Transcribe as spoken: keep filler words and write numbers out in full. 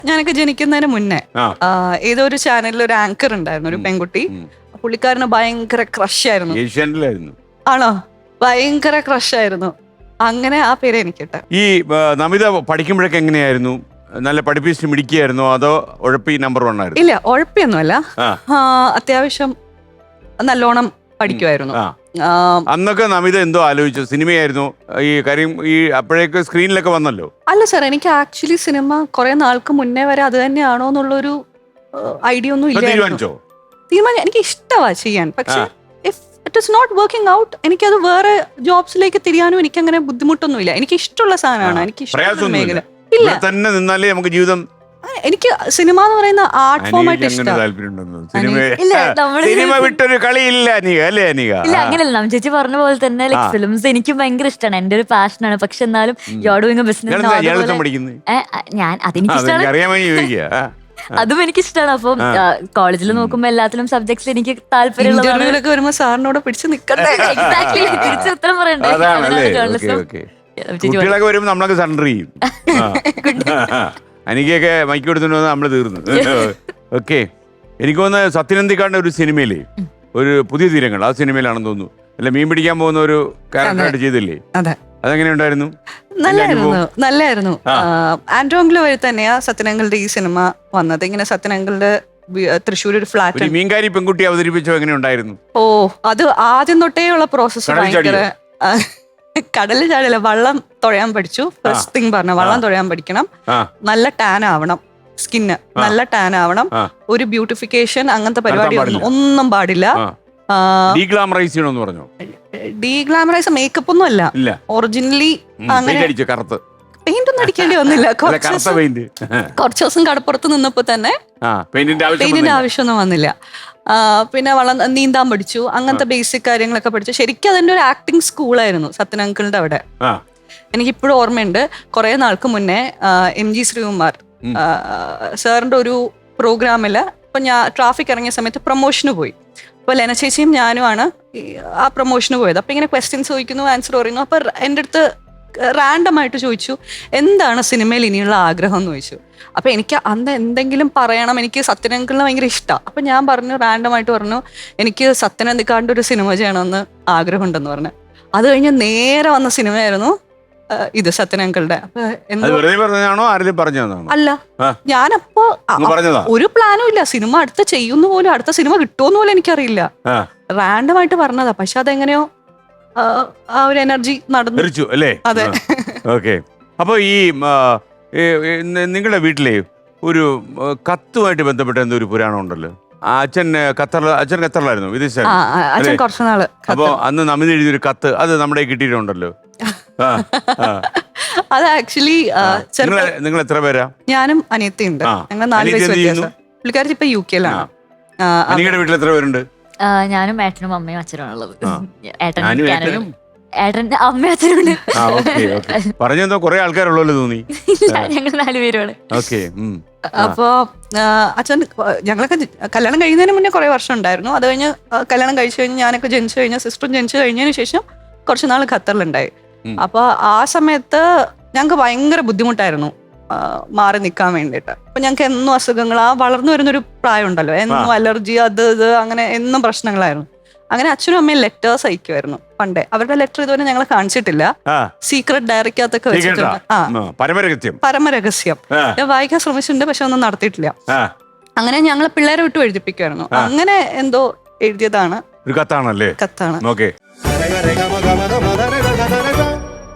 ഞാനൊക്കെ ജനിക്കുന്നതിന് മുന്നേ ഏതോ ഒരു ചാനലിൽ ഒരു ആങ്കർ ഉണ്ടായിരുന്നു, ഒരു പെൺകുട്ടി. പുള്ളിക്കാരന് ഭയങ്കര ക്രഷ് ആയിരുന്നു. ഏഷ്യാനെറ്റിലായിരുന്നു. ആണോ? ഭയങ്കര ക്രഷ് ആയിരുന്നു. അങ്ങനെ ആ പേര് എനിക്ക് കിട്ടാം. ഈ നമിത പഠിക്കുമ്പോഴൊക്കെ എങ്ങനെയായിരുന്നു? നല്ല പഠിപ്പിച്ച് മിടിക്കുകയായിരുന്നോ അതോ ഉഴപ്പി നമ്പർ വൺ ആയിരുന്നു? ഇല്ല, ഉഴപ്പിയൊന്നുമല്ല. അത്യാവശ്യം നല്ലോണം പഠിക്കുമായിരുന്നു. അന്നൊക്കെ നമിത എന്തോ ആലോചിച്ചു? സിനിമയായിരുന്നു ഈ കാര്യം? ഈ അപ്പോഴേക്ക് സ്ക്രീനിലൊക്കെ വന്നല്ലോ. അല്ല സാർ, എനിക്ക് ആക്ച്വലി സിനിമ കുറെ നാൾക്ക് മുന്നേ വരെ അത് തന്നെയാണോ എന്നുള്ളൊരു ഐഡിയ ഒന്നും ഇല്ല. തീരുമാനിച്ചോ? തീരുമാനം എനിക്ക് ഇഷ്ടമാണ് ചെയ്യാൻ, പക്ഷെ if it is not working out എനിക്കത് വേറെ ജോബ്സിലേക്ക് തിരിയാനും എനിക്ക് അങ്ങനെ ബുദ്ധിമുട്ടൊന്നുമില്ല. എനിക്ക് ഇഷ്ടമുള്ള സാധനമാണ്, എനിക്ക് ഇഷ്ടമുള്ള മേഖല. ഇല്ല, തന്നെ നിന്നാലേ നമുക്ക് ജീവിതം. എനിക്ക് സിനിമ എന്ന് പറയുന്ന ആർട്ട് ഫോം ആയിട്ട് ഇഷ്ടമാണ്. സിനിമ വിട്ടൊരു കളിയില്ല അനിക, അല്ലേ അനിക? ഇല്ല, അങ്ങനെയല്ല. നമ്മ ചേച്ചി പറഞ്ഞ പോലെ തന്നെ ലൈക് ഫിലിംസ് എനിക്ക് ഭയങ്കര ഇഷ്ടമാണ്, എന്റെ ഒരു പാഷനാണ്. പക്ഷെ എന്നാലും you are doing a business. ഞാൻ അതെനിക്ക് ഇഷ്ടമാണ്, അതും എനിക്ക് ഇഷ്ടമാണ്. അപ്പം കോളേജിൽ നോക്കുമ്പോ എല്ലാത്തിലും സബ്ജക്ട്സ് എനിക്ക് താല്പര്യമുള്ളതൊക്കെ വരുമ്പോ സാറിനോട് പിടിച്ച് നിൽക്കട്ടെ. എക്സാക്ട്ലി, തിരിച്ചുത്തരം പറയണ്ടേ. കുട്ടികളൊക്കെ വരുമ്പോ നമ്മളൊക്കെ സറണ്ടർ ചെയ്യും. എനിക്കൊക്കെ മൈക്ക് കൊടുത്തിട്ട് വന്നാൽ നമ്മള് തീർന്നു. ഓക്കെ, എനിക്ക് തോന്നുന്നത് സത്യനന്ദിക്കാടിന്റെ ഒരു സിനിമയിലേ, ഒരു പുതിയ തീരങ്ങൾ, ആ സിനിമയിലാണെന്ന് തോന്നുന്നു, അല്ല മീൻ പിടിക്കാൻ പോകുന്ന ഒരു ക്യാരക്ടറായിട്ട് ചെയ്തില്ലേ? അതെങ്ങനെ ഉണ്ടായിരുന്നു? നല്ലായിരുന്നു, നല്ലായിരുന്നു. ആൻഡ്രോങ്കില് വഴി തന്നെയാ സത്യനങ്ങളുടെ ഈ സിനിമ വന്നത്. ഇങ്ങനെ സത്യനങ്ങളുടെ തൃശ്ശൂർ ഒരു ഫ്ലാറ്റ് മീൻകാരി പെൺകുട്ടി അവതരിപ്പിച്ചോ, എങ്ങനെ ഉണ്ടായിരുന്നു? ഓ, അത് ആദ്യം തൊട്ടേ ഉള്ള പ്രോസസ്സ് ഭയങ്കര. കടലിൽ ചാടില്ല, വള്ളം തുഴയാൻ പഠിച്ചു. ഫസ്റ്റ് തിങ് പറഞ്ഞ വള്ളം തുഴയാൻ പഠിക്കണം, നല്ല ടാൻ ആവണം, സ്കിന്ന് നല്ല ടാൻ ആവണം, ഒരു ബ്യൂട്ടിഫിക്കേഷൻ അങ്ങനത്തെ പരിപാടി ഒന്നും പാടില്ല. ഡീഗ്ലാമറൈസ് മേക്കപ്പ് ഒന്നും അല്ല, ഒറിജിനലി അങ്ങനെ പെയിന്റ് ഒന്നും അടിക്കേണ്ടി വന്നില്ല. കുറച്ച് ദിവസം കടപ്പുറത്ത് നിന്നപ്പോ തന്നെ പെയിന്റിന്റെ ആവശ്യമൊന്നും വന്നില്ല. പിന്നെ വള്ളം നീന്താൻ പഠിച്ചു, അങ്ങനത്തെ ബേസിക് കാര്യങ്ങളൊക്കെ പഠിച്ചു. ശരിക്കും അതിന്റെ ഒരു ആക്ടിങ് സ്കൂളായിരുന്നു സത്യനങ്കിളുടെ അവിടെ. എനിക്കിപ്പോഴും ഓർമ്മയുണ്ട്, കുറെ നാൾക്ക് മുന്നേ എം ജി ശ്രീകുമാർ സാറിന്റെ ഒരു പ്രോഗ്രാമില് ഇപ്പൊ ഞാൻ ട്രാഫിക് ഇറങ്ങിയ സമയത്ത് പ്രൊമോഷന് പോയി. അപ്പൊ ലെന ചേച്ചിയും ഞാനുമാണ് ആ പ്രൊമോഷന് പോയത്. അപ്പൊ ഇങ്ങനെ ക്വസ്റ്റ്യൻസ് ചോദിക്കുന്നു, ആൻസർ പറയുന്നു. അപ്പൊ എൻ്റെ അടുത്ത് റാൻഡം ആയിട്ട് ചോദിച്ചു, എന്താണ് സിനിമയിൽ ഇനിയുള്ള ആഗ്രഹം എന്ന് ചോദിച്ചു. അപ്പൊ എനിക്ക് അന്ന് എന്തെങ്കിലും പറയണം, എനിക്ക് സത്യനങ്കിളിനെ ഭയങ്കര ഇഷ്ടമാണ്. അപ്പൊ ഞാൻ പറഞ്ഞു, റാൻഡം ആയിട്ട് പറഞ്ഞു, എനിക്ക് സത്യനന്ദിക്കാടിന്റെ ഒരു സിനിമ ചെയ്യണമെന്ന് ആഗ്രഹമുണ്ടെന്ന് പറഞ്ഞു. അത് കഴിഞ്ഞ് നേരെ വന്ന സിനിമയായിരുന്നു ഇത് സത്യനങ്കിളുടെ. അല്ല, ഞാനപ്പോ ഒരു പ്ലാനും ഇല്ല, സിനിമ അടുത്ത ചെയ്യുന്ന പോലും, അടുത്ത സിനിമ കിട്ടുമെന്ന് പോലും എനിക്കറിയില്ല. റാൻഡം ആയിട്ട് പറഞ്ഞതാ, പക്ഷെ അതെങ്ങനെയോ ആ ഒരു എനർജി നടന്നു അല്ലേ? അതെ. ഓക്കെ, അപ്പൊ ഈ നിങ്ങളുടെ വീട്ടിലെ ഒരു കത്തുമായിട്ട് ബന്ധപ്പെട്ട എന്തോ ഒരു പുരാണം ഉണ്ടല്ലോ. അച്ഛൻ ഖത്തറിൽ അച്ഛൻ ഖത്തറിലായിരുന്നു, വിദേശായിരുന്നു കുറച്ചു നാള്. അപ്പൊ അന്ന് നമിത എഴുതിയൊരു കത്ത് അത് നമ്മുടെ കിട്ടിയിട്ടുണ്ടല്ലോ. അത് ആക്ച്വലി നിങ്ങൾ എത്ര പേരാ? ഞാനും അനിയത്തിയുണ്ട്, ഞങ്ങൾ നാല് വയസ്സ് വ്യത്യാസം. പുള്ളിക്കാരി ഇപ്പൊ യു കെയിലാണ്. നിങ്ങളുടെ വീട്ടിൽ എത്ര പേരുണ്ട്? ഞാനും ഏട്ടനും അമ്മയും അച്ഛനും ഉള്ളത്. ഏട്ടൻ ഏട്ടന്റെ അമ്മയും അച്ഛനുണ്ട്. പറഞ്ഞെന്തോ കുറെ ആൾക്കാരുള്ളല്ലോ തോന്നി. ഞങ്ങൾ നാലുപേരുമാണ്. അപ്പോ അച്ഛൻ ഞങ്ങളൊക്കെ കല്യാണം കഴിയുന്നതിന് മുന്നേ കുറെ വർഷം ഉണ്ടായിരുന്നു. അത് കഴിഞ്ഞ് കല്യാണം കഴിച്ചു കഴിഞ്ഞ് ഞാനൊക്കെ ജനിച്ചു കഴിഞ്ഞ സിസ്റ്ററും ജനിച്ചു കഴിഞ്ഞതിന് ശേഷം കുറച്ചു നാൾ ഖത്തറിലുണ്ടായി. അപ്പൊ ആ സമയത്ത് ഞങ്ങൾക്ക് ഭയങ്കര ബുദ്ധിമുട്ടായിരുന്നു മാറി നിൽക്കാൻ വേണ്ടിയിട്ട്. അപ്പൊ ഞങ്ങൾക്ക് എന്നും അസുഖങ്ങൾ, ആ വളർന്നു വരുന്നൊരു പ്രായം ഉണ്ടല്ലോ, എന്നും അലർജി, അത് ഇത് അങ്ങനെ എന്നും പ്രശ്നങ്ങളായിരുന്നു. അങ്ങനെ അച്ഛനും അമ്മയും ലെറ്റേഴ്സ് അയക്കുമായിരുന്നു പണ്ടേ. അവരുടെ ലെറ്റർ ഇതുവരെ ഞങ്ങൾ കാണിച്ചിട്ടില്ല, സീക്രട്ട് ഡയറിക്കകത്തൊക്കെ വെച്ചിട്ടുണ്ട്. ആ, പരമരഹസ്യം പരമരഹസ്യം ഞാൻ വായിക്കാൻ ശ്രമിച്ചിട്ടുണ്ട്, പക്ഷെ ഒന്നും നടത്തിയിട്ടില്ല. അങ്ങനെ ഞങ്ങൾ പിള്ളേരെ വിട്ടു എഴുതിപ്പിക്കുമായിരുന്നു. അങ്ങനെ എന്തോ എഴുതിയതാണ്. ഒരു കത്താണല്ലേ? കത്താണ്. ഓക്കെ.